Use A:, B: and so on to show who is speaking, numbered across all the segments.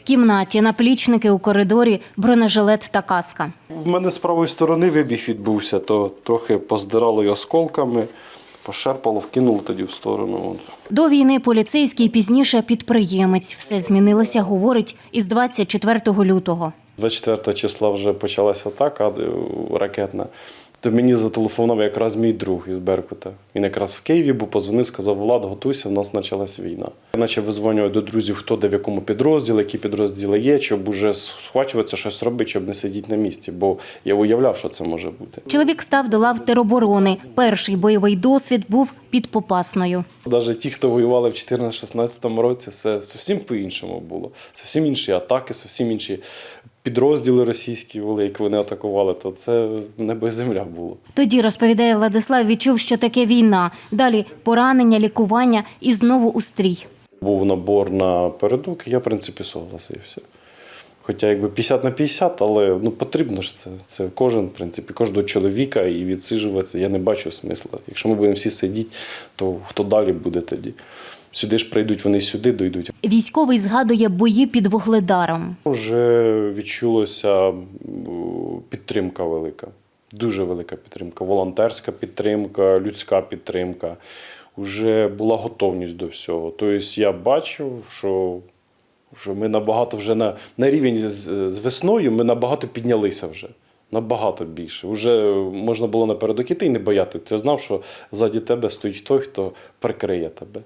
A: кімнаті, наплічники у коридорі, бронежилет та каска.
B: У мене з правої сторони вибіг відбувся, то трохи поздирало й осколками, пошерпало, вкинуло тоді в сторону.
A: До війни поліцейський, пізніше підприємець. Все змінилося, говорить, із 24 лютого.
B: 24 числа вже почалася атака ракетна. То мені зателефонував якраз мій друг із Беркута. Він якраз в Києві був, позвонив, сказав: Влад, готуйся, в нас почалась війна. Я почав визвонювати до друзів, хто де в якому підрозділі, які підрозділи є, щоб уже схвачуватися, щось робити, щоб не сидіти на місці. Бо я уявляв, що це може бути.
A: Чоловік став до лав тероборони. Перший бойовий досвід був під Попасною.
B: Навіть ті, хто воювали в 2014-2016 році, це зовсім по-іншому було. Зовсім інші атаки, зовсім інші підрозділи російські були, як вони атакували, то це небо і земля було.
A: Тоді, розповідає Владислав, відчув, що таке війна. Далі поранення, лікування і знову у стрій.
B: Був набор на передок, і я, в принципі, согласився. Хоча якби 50 на 50, але потрібно ж це. Це кожен, в принципі, кожного чоловіка, і відсиджуватися я не бачу смисла. Якщо ми будемо всі сидіти, то хто далі буде тоді? Сюди ж прийдуть, вони сюди дійдуть.
A: Військовий згадує бої під Вугледаром.
B: Вже відчулася підтримка велика, дуже велика підтримка. Волонтерська підтримка, людська підтримка. Вже була готовність до всього. Тобто я бачив, що ми набагато вже на рівень з весною ми набагато піднялися вже. Набагато більше. Вже можна було напередок іти і не боятися. Ти знав, що ззаді тебе стоїть той, хто прикриє тебе.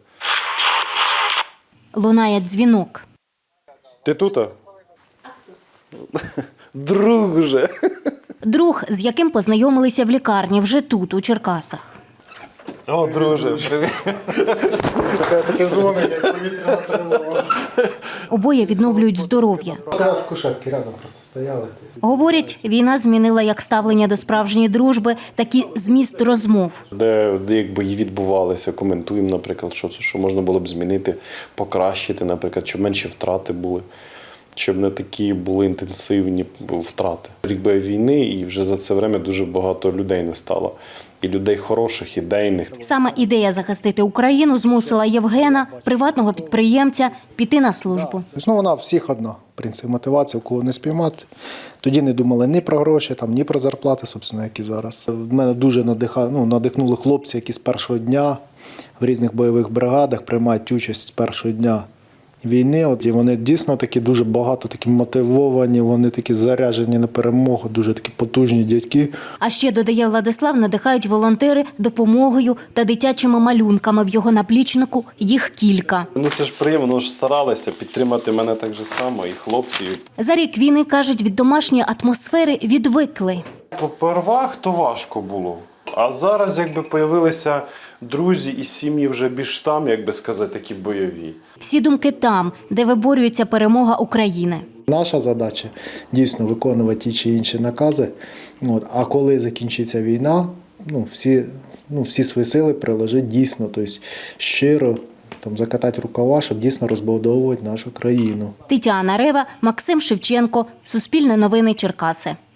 A: Лунає дзвінок.
B: Ти тут? А хто це? Друг вже.
A: Друг, з яким познайомилися в лікарні, вже тут, у Черкасах.
B: О, друже, привіт.
C: Таке дзвонення, як повітряна тривога.
A: Обоє відновлюють здоров'я.
C: Зараз кушетки рядом просто стояли.
A: Говорять, війна змінила як ставлення до справжньої дружби, так і зміст розмов.
B: Де як бої відбувалися, коментуємо, наприклад, що можна було б змінити, покращити, наприклад, щоб менші втрати були, щоб не такі були інтенсивні втрати. Рік війни, і вже за це время дуже багато людей не стало. І людей хороших, ідейних.
A: Саме ідея захистити Україну змусила Євгена, приватного підприємця, піти на службу.
C: Вона всіх одна, в принципі, мотивація, кого не спіймати. Тоді не думали ні про гроші, ні про зарплати, собственно, які зараз. Мене дуже надихнули хлопці, які з першого дня в різних бойових бригадах приймають участь з першого дня війни. І вони дійсно такі дуже багато, такі мотивовані, вони такі заряджені на перемогу, дуже такі потужні дядьки.
A: А ще, додає Владислав, надихають волонтери допомогою та дитячими малюнками. В його наплічнику їх кілька.
B: Це ж приємно, вони ж старалися підтримати мене так же само, і хлопці.
A: За рік війни, кажуть, від домашньої атмосфери відвикли.
B: Попервах то важко було. А зараз якби появилися друзі і сім'ї вже більш там, як би сказати, такі бойові.
A: Всі думки там, де виборюється перемога України.
C: Наша задача дійсно виконувати ті чи інші накази. А коли закінчиться війна, всі свої сили приложити дійсно, тобто щиро, закатати рукава, щоб дійсно розбудовувати нашу країну.
A: Тетяна Рева, Максим Шевченко, Суспільне новини, Черкаси.